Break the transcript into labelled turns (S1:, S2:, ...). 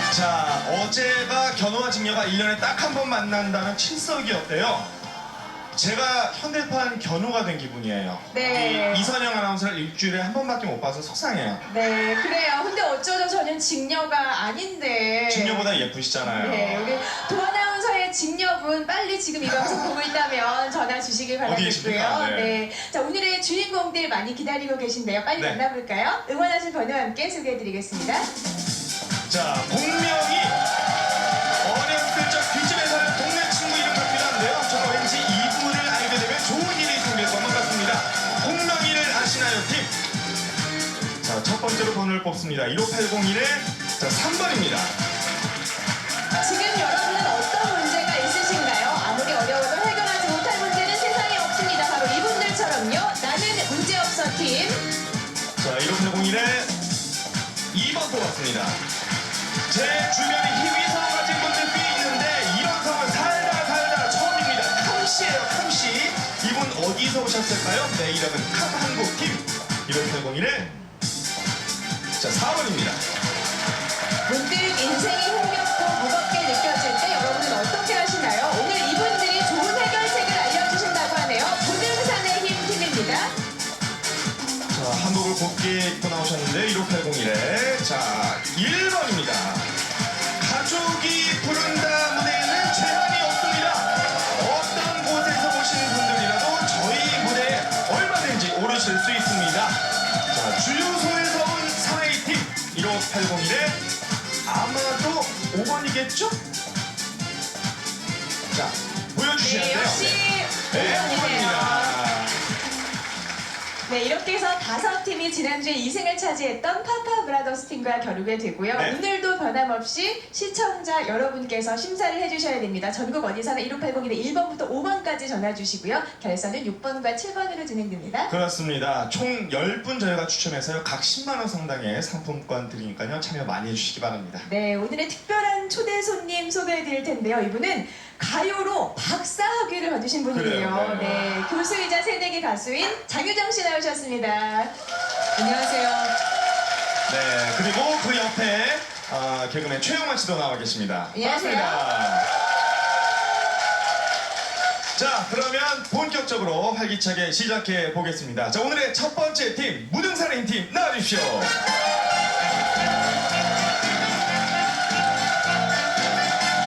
S1: 자, 어제가 견우와 직녀가 1년에 딱 한 번 만난다는 칠석이었대요. 제가 현대판 견우가 된 기분이에요.
S2: 네.
S1: 이선영 아나운서를 일주일에 한 번밖에 못 봐서 속상해요.
S2: 네, 그래요. 근데 어쩌죠? 저는 직녀가 아닌데.
S1: 직녀보다 예쁘시잖아요.
S2: 네, 우리 도 아나운서의 직녀분 빨리 지금 이 방송 보고 있다면 전화 주시길 바라겠고요.
S1: 계십니까? 네.
S2: 네. 자, 오늘의 주인공들 많이 기다리고 계신데요. 빨리
S1: 네.
S2: 만나볼까요? 응원하실 번호와 함께 소개해드리겠습니다.
S1: 자, 본명이 어렸을 적 뒷집에 사는 동네 친구 이름 같기도 한데요. 저는 왠지 이분을 알게 되면 좋은 일이 생길 것만 같습니다. 본명이를 아시나요, 팀? 자, 첫 번째로 번호를 뽑습니다. 15801의 자, 3번입니다.
S2: 지금 여러분은 어떤 문제가 있으신가요? 아무리 어려워도 해결하지 못할 문제는 세상에 없습니다. 바로 이분들처럼요. 나는 문제없어 팀.
S1: 자, 15801의 2번 뽑았습니다. 제 주변에 희귀성 가진 분들 꽤 있는데 이런 성은 살다 처음입니다. 캄씨예요, 캄씨. 이분 어디서 오셨을까요? 네, 이름은 캄한국팀 15801의 자, 4번입니다.
S2: 문득 인생이 힘겹고 무겁게 느껴질 때 여러분은 어떻게 하시나요? 오늘 이분들이 좋은 해결책을 알려주신다고 하네요. 부등산의 힘 팀입니다.
S1: 자, 한복을 곱게 입고 나오셨는데 15801의 자, 1번입니다. 가족이 부른다 무대에는 제한이 없습니다. 어떤 곳에서 보시는 분들이라도 저희 무대에 얼마든지 오르실 수 있습니다. 자, 주유소에서 온 사나이팀 15801의 아마도 5번이겠죠? 자, 보여주셔야
S2: 네,
S1: 돼요.
S2: 역시
S1: 네,
S2: 5번이네요.
S1: 5번입니다.
S2: 네, 이렇게 해서 5팀이 지난주에 2승을 차지했던 파파 브라더스 팀과 겨루게 되고요.
S1: 네.
S2: 오늘도 변함없이 시청자 여러분께서 심사를 해주셔야 됩니다. 전국 어디서나 15801의 1번부터 5번까지 전화 주시고요. 결선은 6번과 7번으로 진행됩니다.
S1: 그렇습니다. 총 10분 저희가 추첨해서요. 각 10만원 상당의 상품권 드리니까요. 참여 많이 해주시기 바랍니다.
S2: 네, 오늘의 특별한 초대 손님 소개해 드릴 텐데요. 이분은 가요로 박사 학위를 받으신 분이에요.
S1: 그래요, 네.
S2: 네, 교수이자 새내기 가수인 장유정 씨 나오셨습니다. 안녕하세요.
S1: 네, 그리고 그 옆에 개그맨 최영만 씨도 나와 계십니다.
S2: 안녕하세요.
S1: 반갑습니다. 자, 그러면 본격적으로 활기차게 시작해 보겠습니다. 자, 오늘의 첫 번째 팀, 무등산인 팀 나와주십시오.